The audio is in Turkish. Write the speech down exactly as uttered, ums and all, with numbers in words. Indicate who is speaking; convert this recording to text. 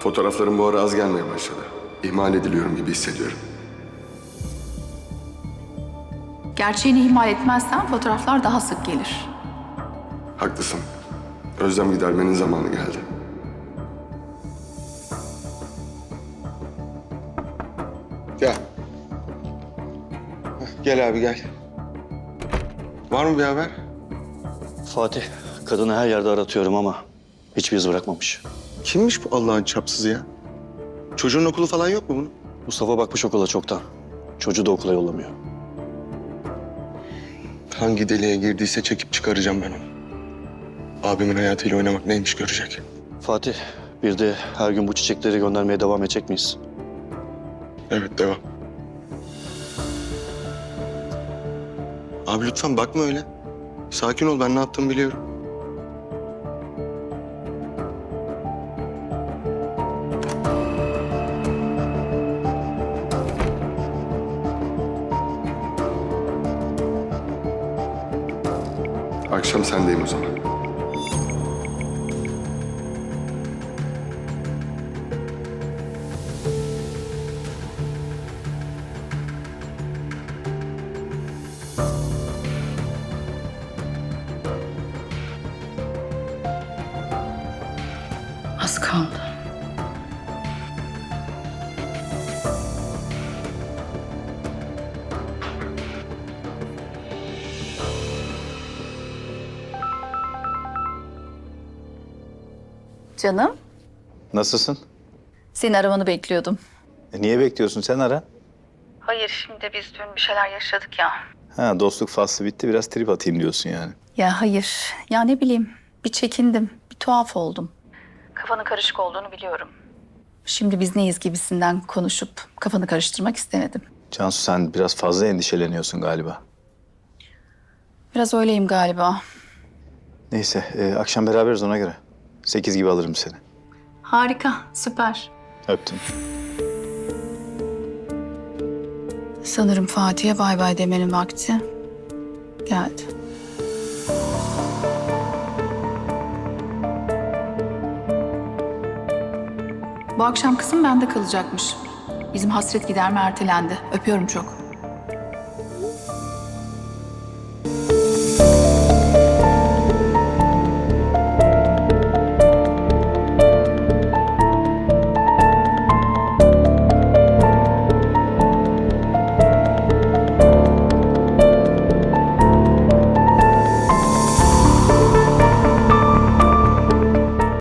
Speaker 1: Fotoğraflarım bu ara az gelmeye başladı. İhmal ediliyorum gibi hissediyorum.
Speaker 2: Gerçeğini ihmal etmezsen fotoğraflar daha sık gelir.
Speaker 1: Haklısın. Özlem gidermenin zamanı geldi. Gel. Gel abi gel. Var mı bir haber?
Speaker 3: Fatih, kadını her yerde aratıyorum ama hiçbir iz bırakmamış.
Speaker 1: Kimmiş bu Allah'ın çapsızı ya? Çocuğun okulu falan yok mu bunun?
Speaker 3: Mustafa bakmış okula çoktan. Çocuğu da okula yollamıyor.
Speaker 1: Hangi deliğe girdiyse çekip çıkaracağım ben onu. Abimin hayatıyla oynamak neymiş görecek.
Speaker 3: Fatih, bir de her gün bu çiçekleri göndermeye devam edecek miyiz?
Speaker 1: Evet devam. Abi lütfen bakma öyle. Sakin ol, ben ne yaptığımı biliyorum. Akşam sendeyim o zaman.
Speaker 2: Az kaldı. Canım,
Speaker 4: Nasılsın?
Speaker 2: senin aramanı bekliyordum.
Speaker 4: E, niye bekliyorsun? Sen ara.
Speaker 2: Hayır, şimdi biz dün bir şeyler yaşadık ya.
Speaker 4: Ha, dostluk faslı bitti. Biraz trip atayım diyorsun yani.
Speaker 2: Ya hayır, ya ne bileyim, bir çekindim, bir tuhaf oldum. Kafanın karışık olduğunu biliyorum. Şimdi biz neyiz gibisinden konuşup kafanı karıştırmak istemedim.
Speaker 4: Cansu, sen biraz fazla endişeleniyorsun galiba.
Speaker 2: Biraz öyleyim galiba.
Speaker 4: Neyse, e, akşam beraberiz ona göre. Sekiz gibi alırım seni.
Speaker 2: Harika, süper.
Speaker 4: Öptüm.
Speaker 2: Sanırım Fatih'e bay bay demenin vakti geldi. Bu akşam kızım bende kalacakmış. Bizim hasret giderme ertelendi. Öpüyorum çok.